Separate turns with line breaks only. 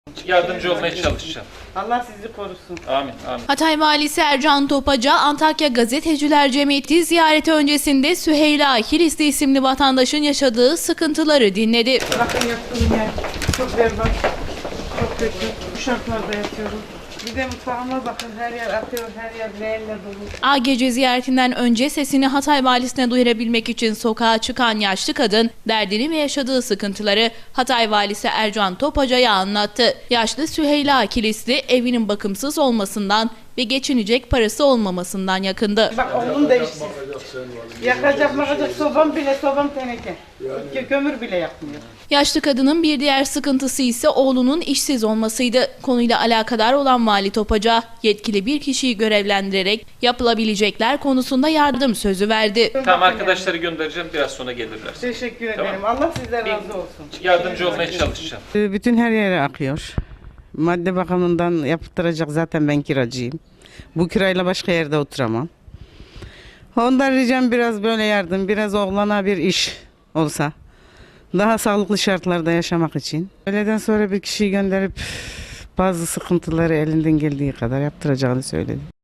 Yardımcı olmaya çalışacağım.
Allah sizi korusun.
Amin, amin.
Hatay Valisi Ercan Topaca, Antakya Gazeteciler Cemiyeti ziyareti öncesinde Süheyla Kilisli isimli vatandaşın yaşadığı sıkıntıları dinledi.
Bakın yattığım yer çok berbat, çok kötü. Bu şartlarda yatıyorum. Bir de mutfağıma bakın, her yer atıyor, her yer leğenle dolu.
AGC ziyaretinden önce sesini Hatay Valisi'ne duyurabilmek için sokağa çıkan yaşlı kadın derdini ve yaşadığı sıkıntıları Hatay Valisi Ercan Topaca'ya anlattı. Yaşlı Süheyla Kilisli evinin bakımsız olmasından ve geçinecek parası olmamasından yakındı.
Bak oğlum da işsiz. Yakacak sobam teneke. Kömür bile yakmıyor.
Yaşlı kadının bir diğer sıkıntısı ise oğlunun işsiz olmasıydı. Konuyla alakadar olan Vali Topaca, yetkili bir kişiyi görevlendirerek yapılabilecekler konusunda yardım sözü verdi.
Tamam, arkadaşları göndereceğim, biraz sonra gelirler.
Teşekkür
Tamam.
ederim. Allah sizden razı olsun.
Yardımcı olmaya çalışacağım.
Bütün her yere akıyor. Madde bakımından yaptıracak, zaten ben kiracıyım. Bu kirayla başka yerde oturamam. Ondan ricam biraz böyle yardım, biraz oğlana bir iş olsa. Daha sağlıklı şartlarda yaşamak için. Öğleden sonra bir kişiyi gönderip bazı sıkıntıları elinden geldiği kadar yaptıracağını söyledi.